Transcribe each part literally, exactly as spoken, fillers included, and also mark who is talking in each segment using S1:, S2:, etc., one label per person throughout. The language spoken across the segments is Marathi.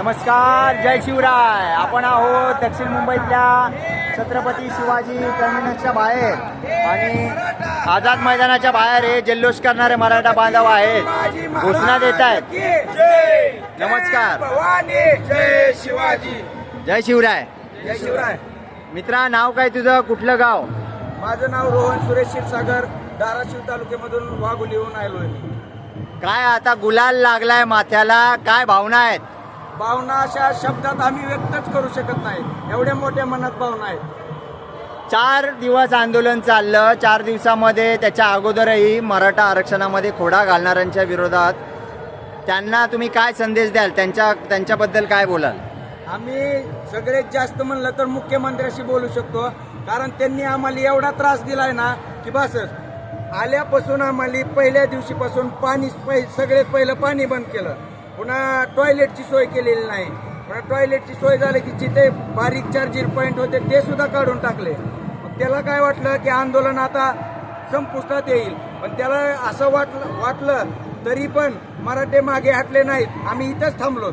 S1: नमस्कार, जय शिवराय. आपण आहोत दक्षिण मुंबईतल्या छत्रपती शिवाजी टर्मिनसच्या बाहेर आणि आझाद मैदानाच्या बाहेर हे जल्लोष करणारे मराठा बांधव आहेत, घोषणा देत आहेत. नमस्कार.
S2: जय शिवाजी.
S1: जय शिवराय.
S2: जय शिवराय.
S1: मित्रा, नाव काय तुझं, कुठलं गाव?
S2: माझं नाव रोहन सुरेश क्षीरसागर, धाराशिव तालुक्यामधून वाघोलीहून आलो आहे.
S1: काय आता गुलाल लागलाय माथ्याला, काय भावना आहेत?
S2: भावना अशा शब्दात आम्ही व्यक्तच करू शकत नाही, एवढ्या मोठ्या मनात भावना आहेत.
S1: चार दिवस आंदोलन चाललं. चार दिवसामध्ये त्याच्या अगोदरही मराठा आरक्षणामध्ये खोडा घालणाऱ्यांच्या विरोधात त्यांना तुम्ही काय संदेश द्याल? त्यांच्या त्यांच्याबद्दल काय बोलाल?
S2: आम्ही सगळ्यात जास्त म्हणलं तर मुख्यमंत्र्याशी बोलू शकतो, कारण त्यांनी आम्हाला एवढा त्रास दिलाय ना की बस. आल्यापासून आम्हाला पहिल्या दिवशीपासून पाणी सगळ्यात पहिलं पाणी बंद केलं, पुन्हा टॉयलेटची सोय केलेली नाही. पुन्हा टॉयलेटची सोय झाली की जिथे बारीक चार्जिंग पॉईंट होते ते सुद्धा काढून टाकले. मग त्याला काय वाटलं की आंदोलन आता संपुष्टात येईल, पण त्याला असं वाटलं वाटलं तरी पण मराठे मागे हटले नाहीत, आम्ही इथंच थांबलो.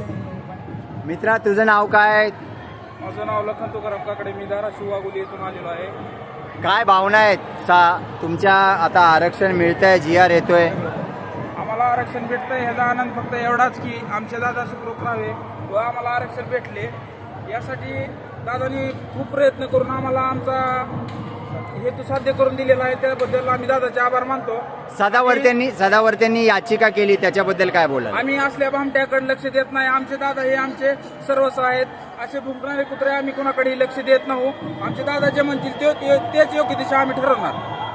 S1: मित्रा, तुझं नाव काय?
S3: माझं नाव लखन तुकाराम काकडे, मी धाराशिव वाघोली येथून आलेलो आहे.
S1: काय भावना आहेत सा तुमच्या? आता आरक्षण मिळतंय, जी आर येतोय,
S3: आम्हाला आरक्षण भेटतंय ह्याचा आनंद फक्त एवढाच की आमचे दादा सुखरूप राहावे व आम्हाला आरक्षण भेटले. यासाठी दादानी खूप प्रयत्न करून आम्हाला आमचा हेतू साध्य करून दिलेला आहे, त्याबद्दल आम्ही दादाचे आभार मानतो.
S1: सदावर्त्यांनी सदावर्त्यांनी याचिका केली, त्याच्याबद्दल काय बोलाल?
S3: आम्ही असल्या भामट्याकडे लक्ष देत नाही. आमचे दादा हे आमचे सर्वस्व आहेत. असे भुंकणारे कुत्रे आम्ही कोणाकडेही लक्ष देत नाही. आमचे दादा जे म्हणतील ते तेच योग्य दिशा आम्ही ठरवणार.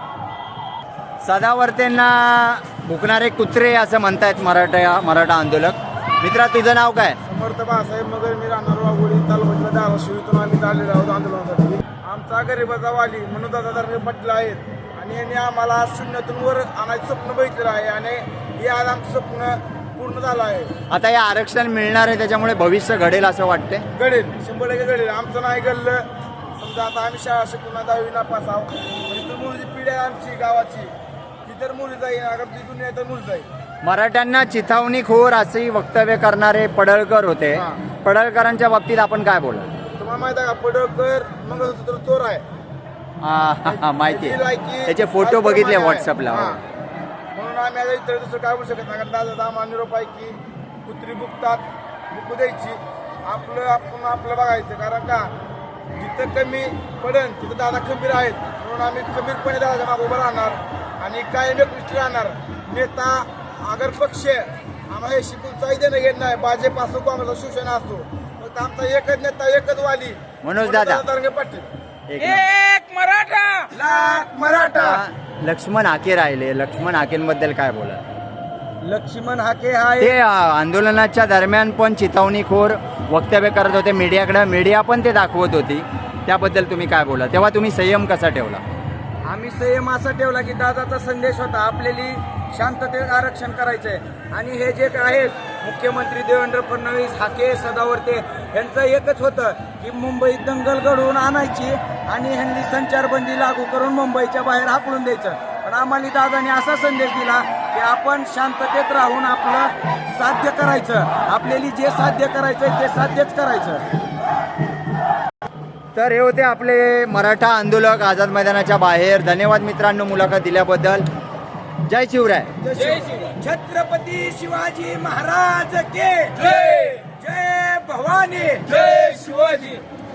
S1: सदावर्तेंना भुकणारे कुत्रे असं म्हणतायत मराठा मराठा आंदोलक. मित्रा, तुझं नाव काय?
S2: समर्थ बाळासाहेब मगर, मी राहणार वाघोली तालुक्यातल्या धाराशिव इथून आम्ही आलेलो आहोत आंदोलनासाठी. आमचा गरिबाचा वाली म्हणून दादा पाटील आहेत आणि यांनी आम्हाला शून्यातून वर आणायचं स्वप्न बघितलेलं आहे आणि हे आज आमचं स्वप्न पूर्ण झालं आहे.
S1: आता हे आरक्षण मिळणार आहे, त्याच्यामुळे भविष्य घडेल असं वाटतंय?
S2: घडेल, शंभर टक्के घडेल. आमचं नाही घडलं समजा आता आम्ही शाळा शिकून दहावी नापास आहोत, तर मुलीची पिढी आहे आमची गावाची, ती तर मुली जाईल, अगर ती दुनिया तर मुली जाईल.
S1: मराठ्यांना चिथावणीखोर अशी वक्तव्य करणारे पडळकर होते. पडळकरांच्या बाबतीत आपण काय बोला?
S2: तुम्हाला माहित आहे का, पडळकर मंगळसूत्र चोर आहे.
S1: हा, माहिती आहे, त्याचे फोटो बघितले व्हॉट्सअपला.
S2: म्हणून आम्ही आता इतर दुसरं काय बोलू शकत नाही, कारण दादा आम्हाला निरोप आहे की कुत्री बुकतात, बुकू द्यायची, आपलं आपण आपलं बघायचं. कारण का जिथं कमी पडेल तिथं दादा खंबीर आहेत, म्हणून आम्ही खंबीरपणे दादाच्या मागे उभं राहणार आणि काय व्यक्ती राहणार. नेता अगर पक्ष आम्हाला हे शिकून काही देणं घेत नाही, भाजप असो काँग्रेस शिवसेना असतो, फक्त आमचा एकच नेता एकच वाली
S1: मनोज दादा
S2: तरंगे पाटील.
S3: एक मराठा
S2: लाख मराठा.
S1: लक्ष्मण हाके राहिले, लक्ष्मण हाकेंबद्दल काय बोला?
S2: लक्ष्मण हाके हा
S1: ते आंदोलनाच्या दरम्यान पण चिथावणीखोर वक्तव्य करत होते मीडियाकडे, मीडिया पण ते दाखवत होती, त्याबद्दल तुम्ही काय बोला? तेव्हा तुम्ही संयम कसा ठेवला?
S2: आम्ही संयम असा ठेवला की दादाचा संदेश होता आपल्याला शांततेत आरक्षण करायचंय आणि हे जे आहेत मुख्यमंत्री देवेंद्र फडणवीस, हाके, सदावर्ते यांचं एकच होतं की मुंबईत दंगल घडवून आणायची आणि ह्यांनी संचारबंदी लागू करून मुंबईच्या बाहेर हाकलून द्यायचं. पण आम्हाला दादाने असा संदेश दिला की आपण शांततेत राहून आपलं साध्य करायचं, आपल्याला जे साध्य करायचंय ते साध्यच करायचं.
S1: तर हे होते आपले मराठा आंदोलक आझाद मैदानाच्या बाहेर. धन्यवाद मित्रांनो मुलाखत दिल्याबद्दल. जय शिवराय.
S2: छत्रपती शिवाजी महाराज के जय. जय भवानी. जय शिवाजी.